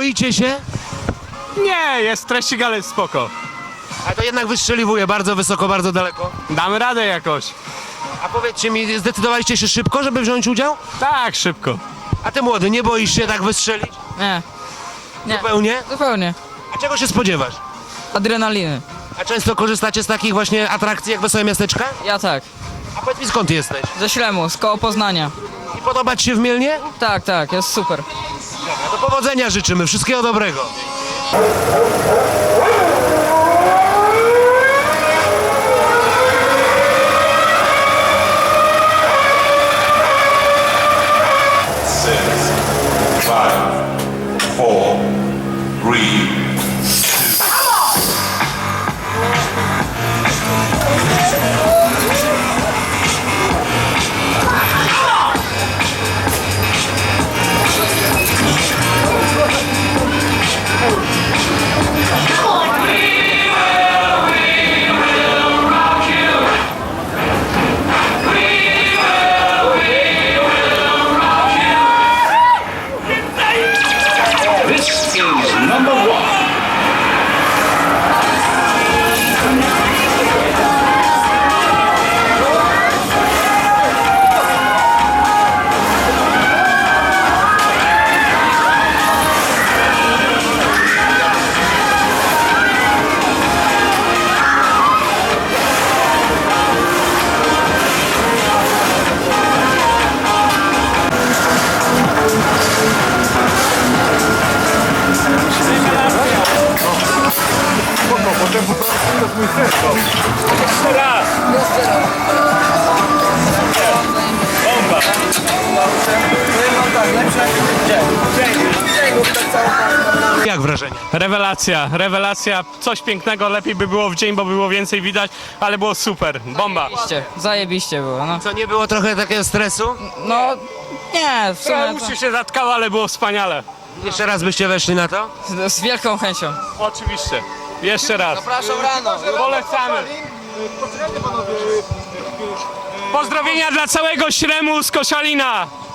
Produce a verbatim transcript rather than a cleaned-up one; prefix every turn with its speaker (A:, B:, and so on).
A: boicie się?
B: Nie, jest treścig, ale spoko.
A: A to jednak wystrzeliwuje bardzo wysoko, bardzo daleko.
B: Damy radę jakoś.
A: A powiedzcie mi, zdecydowaliście się szybko, żeby wziąć udział?
B: Tak, szybko.
A: A ty młody, nie boisz się tak wystrzelić?
C: Nie, nie,
A: Zupełnie?
C: zupełnie.
A: A czego się spodziewasz?
C: Adrenaliny.
A: A często korzystacie z takich właśnie atrakcji jak Wesołe Miasteczka?
C: Ja tak.
A: A powiedz mi, skąd jesteś?
C: Ze Ślemu, z koło Poznania.
A: I podoba ci się w Mielnie?
C: Tak, tak, jest super.
A: No to powodzenia życzymy, wszystkiego dobrego.
D: Six, five, four, three, This is number one.
A: Jak wrażenie?
B: Rewelacja, rewelacja. Coś pięknego, lepiej by było w dzień, bo było więcej widać, ale było super. Bomba.
C: Zajebiście, zajebiście było, no.
A: Co, nie było trochę takiego stresu?
C: No, nie, w
B: Trochę
C: sumie
B: uszy się zatkało, ale było wspaniale.
A: Jeszcze raz byście weszli na to?
C: to z wielką chęcią.
B: Oczywiście. Jeszcze raz.
C: Zapraszam rano.
B: Polecamy. Pozdrowienia dla całego Śremu z Koszalina.